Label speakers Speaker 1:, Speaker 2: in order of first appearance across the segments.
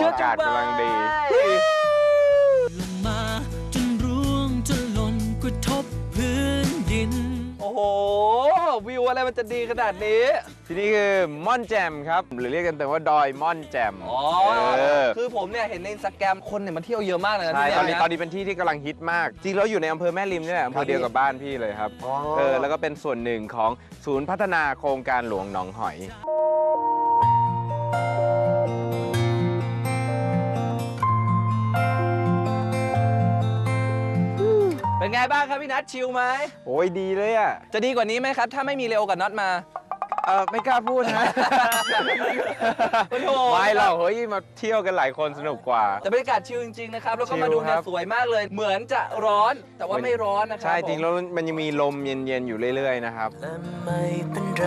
Speaker 1: อากาศกำลังดี
Speaker 2: ลงมาจนร่วงจนหล่นกระทบพื้นดิน
Speaker 3: โอ้โหวิวอะไรมันจะดีขนาดนี้
Speaker 1: ที่นี่คือม่อนแจ่มครับหรือเรียกกันแต่ว่าดอยม่อนแจ่ม
Speaker 3: คือผมเนี่ยเห็นในอินสตาแกรมคนเนี่ยมาเที่ยวเยอะมากเลยนะ
Speaker 1: ใช่ตอนนี้เป็นที่ที่กำลังฮิตมากจริงแล้วอยู่ในอำเภอแม่ริมนี่แหละอำเภอเดียวกับบ้านพี่เลยครับแล้วก็เป็นส่วนหนึ่งของศูนย์พัฒนาโครงการหลวงหนองหอย
Speaker 3: เป็นไงบ้างครับพี่นัทชิลไหม
Speaker 1: โอ้ยดีเลยอ่ะ
Speaker 3: จะดีกว่านี้ไหมครับถ้าไม่มีเลโอกับน็อตมา
Speaker 1: ไม่กล้าพูดนะไม่หรอกเฮ้ยมาเที่ยวกันหลายคนสนุกกว่า
Speaker 3: แต่บรรยากาศชิลจริงๆนะครับแล้วก็มาดูเนี่ยสวยมากเลยเหมือนจะร้อนแต่ว่าไม่ร้อนนะครับ
Speaker 1: ใช่จริงแล้วมันยังมีลมเย็นๆอยู่เรื่อยๆนะครับ
Speaker 2: และไม่เป็นไร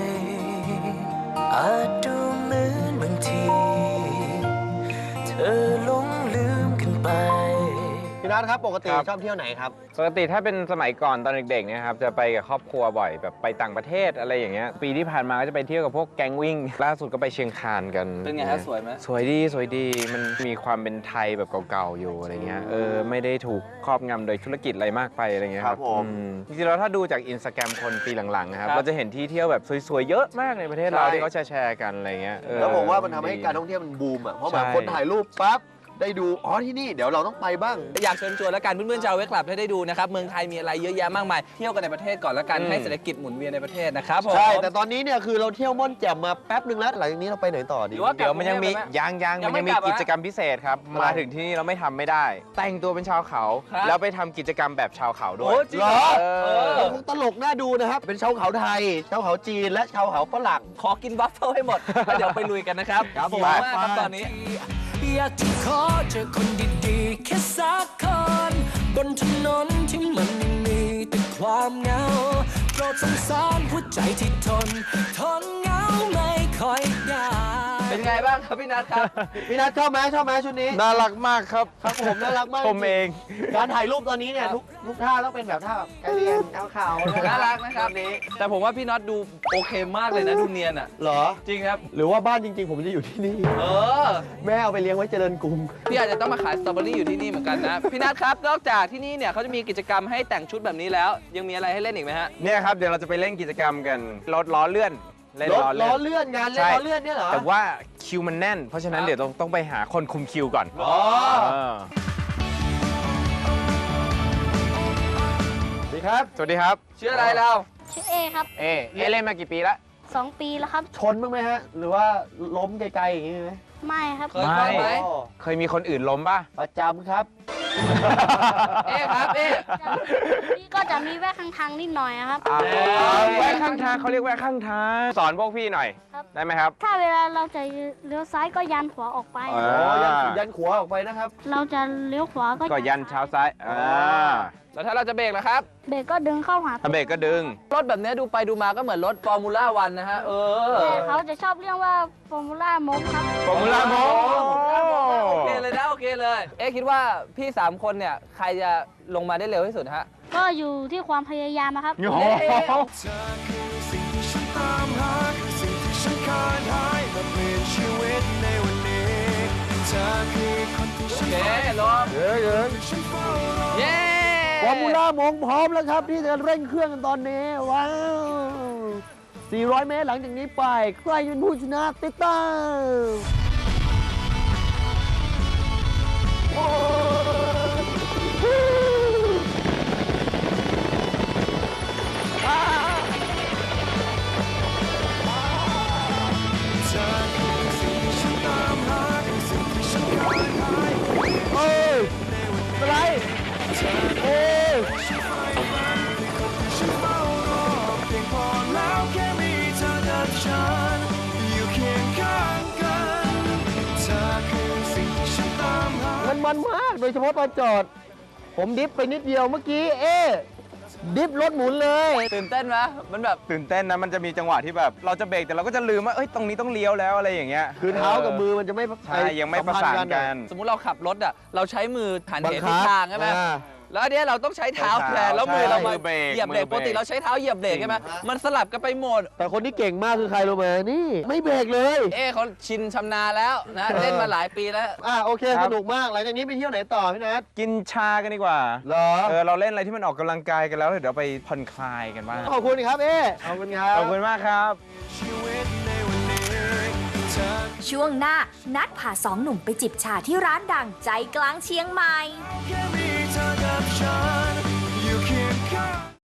Speaker 2: อาจดูเหมือนบางทีเธอหลงลืมกันไป
Speaker 4: พี่นัทครับปกติชอบเที่ยวไหนครับ
Speaker 1: ปกติถ้าเป็นสมัยก่อนตอนเด็กๆเนี่ยครับจะไปกับครอบครัวบ่อยแบบไปต่างประเทศอะไรอย่างเงี้ยปีที่ผ่านมาก็จะไปเที่ยวกับพวกแก๊งวิ่งล่าสุดก็ไปเชียงคานกัน
Speaker 3: เป็นไงฮะสวยไหม
Speaker 1: สวยดีมันมีความเป็นไทยแบบเก่าๆอยู่อะไรเงี้ยไม่ได้ถูกครอบงำโดยธุรกิจอะไรมากไปอะไรเงี้ยครับจริงๆแล้วถ้าดูจากอินสตาแกรมคนปีหลังๆนะครับเราจะเห็นที่เที่ยวแบบสวยๆเยอะมากในประเทศเราที่เขาแชร์กันอะไรเงี้ย
Speaker 4: แล้วผมว่ามันทำให้การท่องเที่ยวมันบูมอ่ะเพราะแบบคนถ่ายรูปปั๊บได้ดูที่นี่เดี๋ยวเราต้องไปบ้าง
Speaker 3: อยากเชิญชวนแล้วกันเพื่อนๆชาวเวกคลับให้ได้ดูนะครับเมืองไทยมีอะไรเยอะแยะมากมายเที่ยวกันในประเทศก่อนแล้วกันให้เศรษฐกิจหมุนเวียนในประเทศนะครับ
Speaker 4: ใช่แต่ตอนนี้เนี่ยคือเราเที่ยวม่อนแจ่มมาแป๊บนึงแล้วหลังจากนี้เราไปไหนต่อดี
Speaker 1: เดี๋ยวมันยังมีมันยังมีกิจกรรมพิเศษครับมาถึงที่นี่เราไม่ทำไม่ได้แต่งตัวเป็นชาวเขาแล้วไปทำกิจกรรมแบบชาวเขาด้วย
Speaker 4: เหรอตลกน่าดูนะครับเป็นชาวเขาไทยชาวเขาจีนและชาวเขาฝรั่ง
Speaker 3: ขอกินวัฟเฟิลให้หมดเดี๋ยวไปลุยกันนะครับ
Speaker 4: ครับผม
Speaker 3: มากครับตอนนี้
Speaker 2: อยากจะขอเจอคนดีๆแค่สักคนบนถนนที่มันมีแต่ความเหงาโปรดสงสารหัวใจที่ทนเหงาไม่ค่อยได้
Speaker 3: เป็นไงบ้างครับพี่นัทครับ
Speaker 4: พี่นัทชอบไหมชุดนี้
Speaker 1: น่ารักมากครับ
Speaker 4: ครับผมน่ารักมาก
Speaker 1: ผมเอง
Speaker 4: การถ่ายรูปตอนนี้เนี่ยทุกท่าต้องเป็นแบบท่าแบบกระเรียนเอาขาว
Speaker 3: น่ารักนะครับนี้แต่ผมว่าพี่น็อตดูโอเคมากเลยนะดูเนียนอ่ะ
Speaker 4: เหรอ
Speaker 3: จริงครับ
Speaker 4: หรือว่าบ้านจริงๆผมจะอยู่ที่นี่แม่เอาไปเลี้ยงไว้เจริญกรุง
Speaker 3: พี่อาจจะต้องมาขายสตรอเบอรี่อยู่ที่นี่เหมือนกันนะพี่นัทครับนอกจากที่นี่เนี่ยเขาจะมีกิจกรรมให้แต่งชุดแบบนี้แล้วยังมีอะไรให้เล่นอีกไหมฮะ
Speaker 1: เนี่ยครับเดี๋ยวเราจะไปเล่นกิจกรรมกันรถล้อเลื่อน
Speaker 4: ล้อเลื่อนงานเล่นล้อเลื่อนเนี่ยเหรอ
Speaker 1: แต่ว่าคิวมันแน่นเพราะฉะนั้นเดี๋ยวต้องไปหาคนคุมคิวก่อนสวัสดีครับ
Speaker 3: ชื่ออะไรเรา
Speaker 5: ชื่อเอครับ
Speaker 1: เล่นมากี่ปีละ
Speaker 5: 2 ปีแล้วครับ
Speaker 4: ชนบ้างไหมฮะหรือว่าล้มไกลๆอย่างนี้ไหม
Speaker 5: ไม่ครับ
Speaker 1: เคยมีคนอื่นล้มป่ะ
Speaker 4: ประจำครับ
Speaker 3: ครับ
Speaker 5: พี่ก็จะมีแวะข้างทางนิดหน่อยครับ
Speaker 1: แวะข้างทางเขาเรียกแวะข้างทางสอนพวกพี่หน่อยได้ไหมครับ
Speaker 5: ถ้าเวลาเราจะเลี้ยวซ้ายก็ยันขวาออกไป
Speaker 4: ยันขวาออกไปนะครับ
Speaker 5: เราจะเลี้ยวขวา
Speaker 1: ก็ยันเท้าซ้าย
Speaker 3: แล้วถ้าเราจะเบรกล่ะครับ
Speaker 5: เบรกก็ดึงเข้าหา
Speaker 1: เบรกก็ดึง
Speaker 3: รถแบบนี้ดูไปดูมาก็เหมือนรถฟอร์มูล่าวันนะฮะ
Speaker 5: แต่เขาจะชอบเรียกว่าฟอร์มูล่ามงครับ
Speaker 1: ฟอร์มูล่ามง
Speaker 3: โอเคเลยนะโอเคเลยคิดว่าพี่3คนเนี่ยใครจะลงมาได้เร็วที่สุดฮะ
Speaker 5: ก็อยู่ที่ความพยายามครับ
Speaker 3: ลอง
Speaker 4: เย้ฟอร์มูล่ามงพร้อมแล้วครับที่จะเร่งเครื่องกันตอนนี้ว้าว400 เมตรหลังจากนี้ไปใครเป็นผู้ชนะติดตามอะไรมันมากโดยเฉพาะตอนจอดผมดิฟไปนิดเดียวเมื่อกี้ดิฟรถหมุนเลย
Speaker 3: ตื่นเต้นไหมมันแบบ
Speaker 1: ตื่นเต้นนะมันจะมีจังหวะที่แบบเราจะเบรกแต่เราก็จะลืมว่าตรงนี้ต้องเลี้ยวแล้วอะไรอย่างเงี้ย
Speaker 4: คือเท้ากับมือมันจะไม่
Speaker 1: ยังไม่ประสานกัน
Speaker 3: สมมุติเราขับรถอ่ะเราใช้มือหันเหทิศทางใช่ไหมแล้วอันเนี้ยเราต้องใช้เท้าแทนแล้วมือเรามาเหยียบเบรกปกติเราใช้เท้าเหยียบเบรกใช่ไหมมันสลับกันไปหมด
Speaker 4: แต่คนที่เก่งมากคือใครรู้ไหมนี่ ไม่เบรกเลย
Speaker 3: เขาชินชำนาญแล้วนะเล่นมาหลายปีแล้ว
Speaker 4: โอเคสนุกมากหลังจากนี้ไปเที่ยวไหนต่อพี่นัท
Speaker 1: กินชากันดีกว่า
Speaker 4: เหรอ
Speaker 1: เราเล่นอะไรที่มันออกกำลังกายกันแล้วเดี๋ยวไปผ่อนคลายกันบ้าง
Speaker 4: ขอบคุณครับขอบคุณครับ
Speaker 1: ขอบคุณมากครับ
Speaker 6: ช่วงหน้านัดพา2 หนุ่มไปจิบชาที่ร้านดังใจกลางเชียงใหม่
Speaker 2: แค่มีเธอกับฉัน